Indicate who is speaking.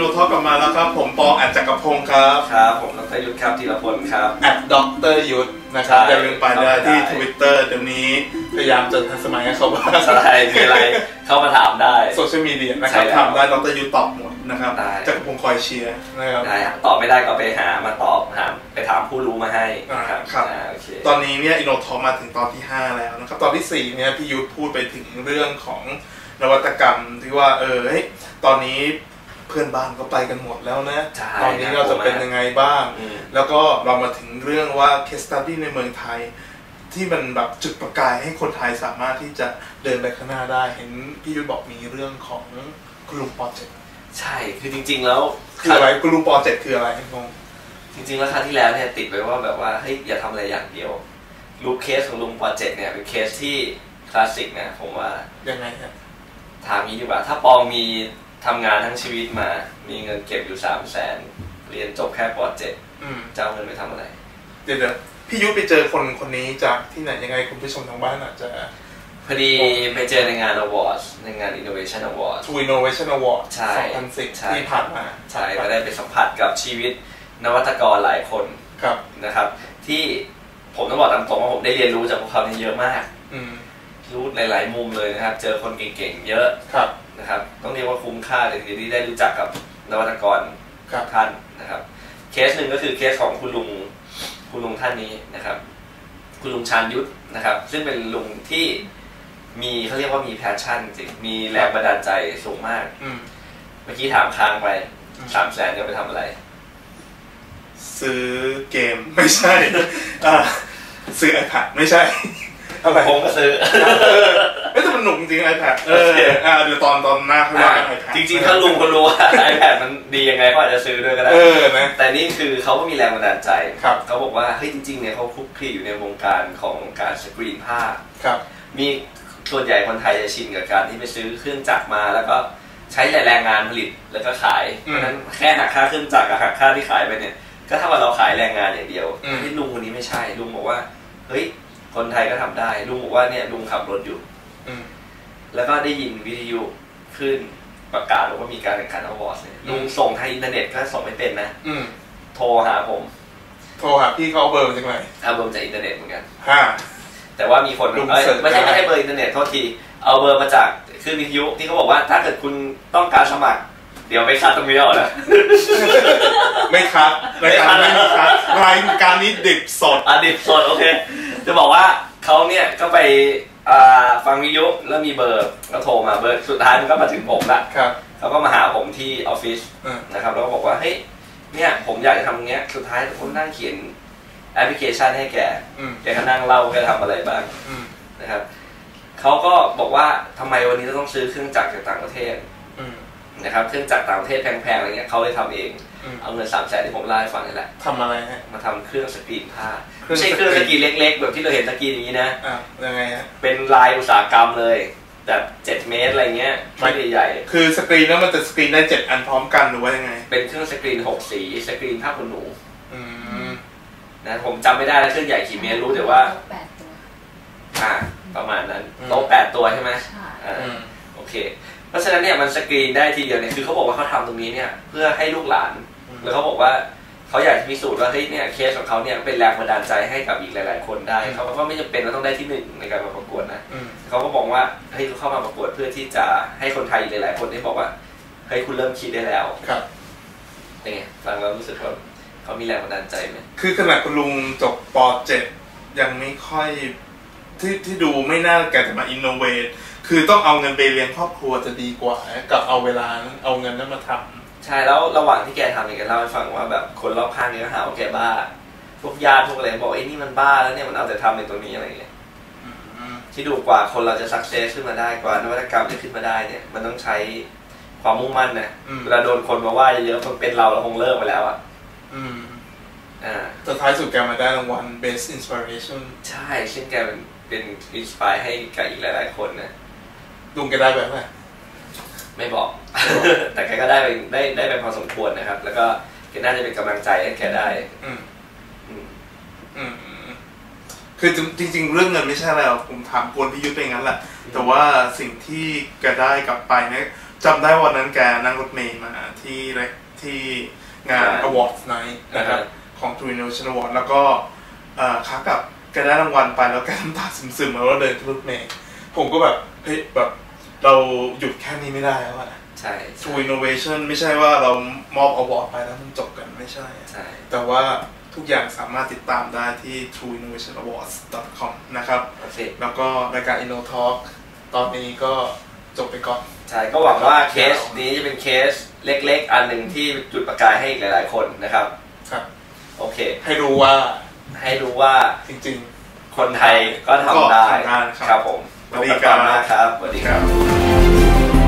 Speaker 1: โนทอล์กกลับมาแล้วครับผมปออัจจักรพงศ์ครับ
Speaker 2: ครับผมดร.ยุทธครับธีรพลครับ
Speaker 1: ดร.ยุทธนะครับอย่าลืมไปได้ที่ Twitter เดี๋ยวนี้พยายามจะทันสมัยให้เขาบ้าง
Speaker 2: ใช่มีอะไรเข้ามาถามได้
Speaker 1: โซเชียลมีเดียนะครับถามได้ดร.ยุทธตอบหมดนะครับจักรพงศ์คอยเชียร์นะครับ
Speaker 2: ได้ตอบไม่ได้ก็ไปหามาตอบไปถามผู้รู้มาให้
Speaker 1: ครับตอนนี้เนี่ยอินโนทอล์กมาถึงตอนที่5แล้วนะครับตอนที่4เนี่ยพี่ยุทธพูดไปถึงเรื่องของนวัตกรรมที่ว่าตอนนี้เพื่อนบ้านก็ไปกันหมดแล้วนะตอนนี้เราจะเป็นยังไงบ้างแล้วก็เรามาถึงเรื่องว่า case study ในเมืองไทยที่มันแบบจุดประกายให้คนไทยสามารถที่จะเดินไปข้างหน้าได้เห็นพี่ยุทธบอกมีเรื่องของกลุ่มโปรเจกต์
Speaker 2: ใช่คือจริงๆแล้ว
Speaker 1: คืออะไรกลุ่มโปรเจกต์คืออะไรงง
Speaker 2: จริงๆแล้วครั้งที่แล้วเนี่ยติดไว้ว่าแบบว่าเฮ้ยอย่าทำอะไรอย่างเดียวรูปเคสของลุงโปรเจกต์เนี่ยเป็นเคสที่คลาสสิกนะผมว่า
Speaker 1: ยังไงครับ
Speaker 2: ถามนี้ดีกว่าถ้าปองมีทำงานทั้งชีวิตมามีเงินเก็บอยู่300,000เรียนจบแค่ป.7จะเอาเงินไปทำอะไร
Speaker 1: เดี๋ยวพี่ยุทธไปเจอคนนี้จากที่ไหนยังไงคุณผู้ชมทางบ้านอาจจะ
Speaker 2: พอดีไปเจอในงาน Awards ในงาน Innovation Awards
Speaker 1: Innovation Awards
Speaker 2: 2010
Speaker 1: ที่ผ่านมา
Speaker 2: ใช่ก็ได้ไปสัมผัสกับชีวิตนวัตกรหลายคนนะครับที่ผมต้องบอกตามตรงว่าผมได้เรียนรู้จากพวกเขาเยอะมากรู้หลายๆมุมเลยนะครับเจอคนเก่งๆเยอะนะครับต้องเรียกว่าคุ้มค่าเลยที่ได้รู้จักกับนวัตกรท่านนะครับเคสหนึ่งก็คือเคสของคุณลุงท่านนี้นะครับคุณลุงชาญยุทธนะครับซึ่งเป็นลุงที่มีเขาเรียกว่ามีแพชชั่นจริงมีแรงบันดาลใจสูงมากเมื่อกี้ถามค้างไป300,000จะไปทำอะไร
Speaker 1: ซื้อเกมไม่ใช่ซื้อ iPad ไม่ใช่
Speaker 2: ผมก็ซื้อ
Speaker 1: แต่มันหนุกจริง iPad เดี๋ยวตอนหน้าเขาว่า iPad
Speaker 2: จริงๆถ้าลุงคนรู้ว่า iPad มันดียังไงก็อาจจะซื้อด้วยก็ได้นะแต่นี่คือเขาก็มีแรงบันดาลใจเขาบอกว่าเฮ้ยจริงๆเนี่ยเขาคลุกคลีอยู่ในวงการของการสกรีนภาพมีส่วนใหญ่คนไทยจะชินกับการที่ไปซื้อเครื่องจักรมาแล้วก็ใช้แรงงานผลิตแล้วก็ขายเพราะฉะนั้นแค่หักค่าเครื่องจักรกับหักค่าที่ขายไปเนี่ยก็เท่ากับเราขายแรงงานอย่างเดียวที่ลุงคนนี้ไม่ใช่ลุงบอกว่าเฮ้ยคนไทยก็ทำได้ลุงบอกว่าเนี่ยลุงขับรถอยู่แล้วก็ได้ยินวิทยุขึ้นประกาศว่ามีการแข่งขันอวอร์ดเนี่ยลุงส่งทางอินเทอร์เน็ตก็ส่งไม่เป็นนะโทรหาผม
Speaker 1: โทรหาพี่เขาเบอร์จากไหน
Speaker 2: เอาเบอร์จากอินเทอร์เน็ตเหมือนกันแต่ว่ามีคนไม่ใช่เบอร์อินเทอร์เน็ตโทษทีเอาเบอร์มาจากคือวิทยุที่เขาบอกว่าถ้าเกิดคุณต้องการสมัครเดี๋ยวไปคัดตรงนี้เอาละ
Speaker 1: ไม่คัดรายการไม่มีคัดรายการนี้ดิบสด
Speaker 2: ดิบสดโอเคจะบอกว่าเขาเนี่ยก็ไปฟังวิทยุแล้วมีเบอร์แล้วโทรมาเบอร์สุดท้ายมันก็มาถึงผมละเขาก็มาหาผมที่ออฟฟิศนะครับแล้วก็บอกว่าเฮ้ยเนี่ยผมอยากจะทำอย่างเงี้ยสุดท้ายผมนั่งเขียนแอปพลิเคชันให้แกก็นั่งเล่าแกทำอะไรบ้างนะครับเขาก็บอกว่าทำไมวันนี้เราต้องซื้อเครื่องจักรจากต่างประเทศนะครับเครื่องจักรต่างประเทศแพงๆอะไรเงี้ยเขาเลยทำเองเอาเงิน300,000ที่ผมเล่าให้ฟังนี่แหละ
Speaker 1: ทำอะไรฮะ
Speaker 2: มาทำเครื่องสกรีนผ้าไม่ใช่เครื่องสกรีนเล็กๆแบบที่เราเห็นสกรีนอย่างนี้นะ
Speaker 1: ยังไงฮะ
Speaker 2: เป็นลายอุตสาหกรรมเลยแบบ7 เมตรอะไรเงี้ยไม่ใหญ่
Speaker 1: คือสกรีนแล้วมันจะสกรีนได้7 อันพร้อมกันหรือว่ายังไง
Speaker 2: เป็นเครื่องสกรีน6 สีสกรีนผ้าขนหนูนะผมจำไม่ได้แล้วเครื่องใหญ่กี่เมตรรู้แต่ว่า
Speaker 3: 8 ตัว
Speaker 2: ประมาณนั้นโต๊ะ8 ตัวใช่ไหมโอเคเพราะฉะนั้นเนี่ยมันสกรีนได้ทีเดียวเนี่ยคือเขาบอกว่าเขาทำตรงนี้เนี่ยเพื่อให้ลูกหลานแล้วเขาบอกว่าเขาอยากพิสูจน์ว่าเฮ้ยเนี่ยเคสของเขาเนี่ยเป็นแรงบันดาลใจให้กับอีกหลายๆคนได้เขาก็ไม่จำเป็นว่าต้องได้ที่1ในการมาประกวดนะเขาก็บอกว่าเฮ้ยเขาเข้ามาประกวดเพื่อที่จะให้คนไทยหลายๆคนได้บอกว่าเฮ้ยคุณเริ่มคิดได้แล้วเป็นไงฟังแล้วรู้สึกว่าเขามีแรงบันดาลใจไหม
Speaker 1: คือขนาดคุณลุงจบป.7 ยังไม่ค่อยที่ดูไม่น่าแกจะมาอินโนเวทคือต้องเอาเงินไปเลี้ยงครอบครัวจะดีกว่ากับเอาเวลานั้นเอาเงินนั้นมาทำ
Speaker 2: ใช่แล้วระหว่างที่แกทำเนี่ยแกเล่าให้ฟังว่าแบบคนรอบข้างเนี่ยก็หาว่าแกบ้าพวกญาติพวกอะไรบอกไอ้นี่มันบ้าแล้วเนี่ยมันเอาแต่ทำในตัวนี้อะไรเงี้ยที่ดูกว่าคนเราจะสักเซสขึ้นมาได้กว่านวัตกรรมจะขึ้นมาได้เนี่ยมันต้องใช้ความมุ่งมั่นนะเวลาโดนคนมาว่าเยอะๆมันเป็นเราคงเลิกไปแล้วอ่ะ
Speaker 1: แต่ท้ายสุดแกมาได้รางวัล Best Inspiration
Speaker 2: ใช่ซึ่งแกเป็นอินสไปร์ให้กับอีกหลายๆคนนะ
Speaker 1: ลุงแกได้แบบไหน
Speaker 2: ไม่บอก แต่แกก็ได้ไปพอสมควรนะครับแล้วก็แกน่าจะเป็นกำลังใจให้แกได้
Speaker 1: คือจริงๆเรื่องเงินไม่ใช่อะไรผมถามกวนพี่ยุทธไปงั้นแหละแต่ว่าสิ่งที่แกได้กลับไปเนี่ยจำได้วันนั้นแกนั่งรถเมล์มาที่งาน Awards Night นะครับของ True Innovation Award แล้วก็ขากลับแกได้รางวัลไปแล้วแกน้ำตาซึมๆแล้วก็เดินขึ้นรถเมล์ผมก็แบบเฮ้ยแบบเราหยุดแค่นี้ไม่ได้แล้วอะ
Speaker 2: ใช่
Speaker 1: True Innovation ไม่ใช่ว่าเรามอบ Award ไปแล้วมันจบกันไม่ใช่แต่ว่าทุกอย่างสามารถติดตามได้ที่ trueinnovationawards.com นะครับแล้วก็รายการ InnoTalk ตอนนี้ก็จบไปก่อน
Speaker 2: ใช่ก็หวังว่าเคสนี้จะเป็นเคสเล็กๆอันหนึ่งที่จุดประกายให้อีกหลายๆคนนะครับ
Speaker 1: ครับ
Speaker 2: โอเค
Speaker 1: ให้รู้ว่าจริง
Speaker 2: ๆคนไทยก็ทำได้ครับผม
Speaker 1: สวัสดีครับ
Speaker 2: สวัสดีครับ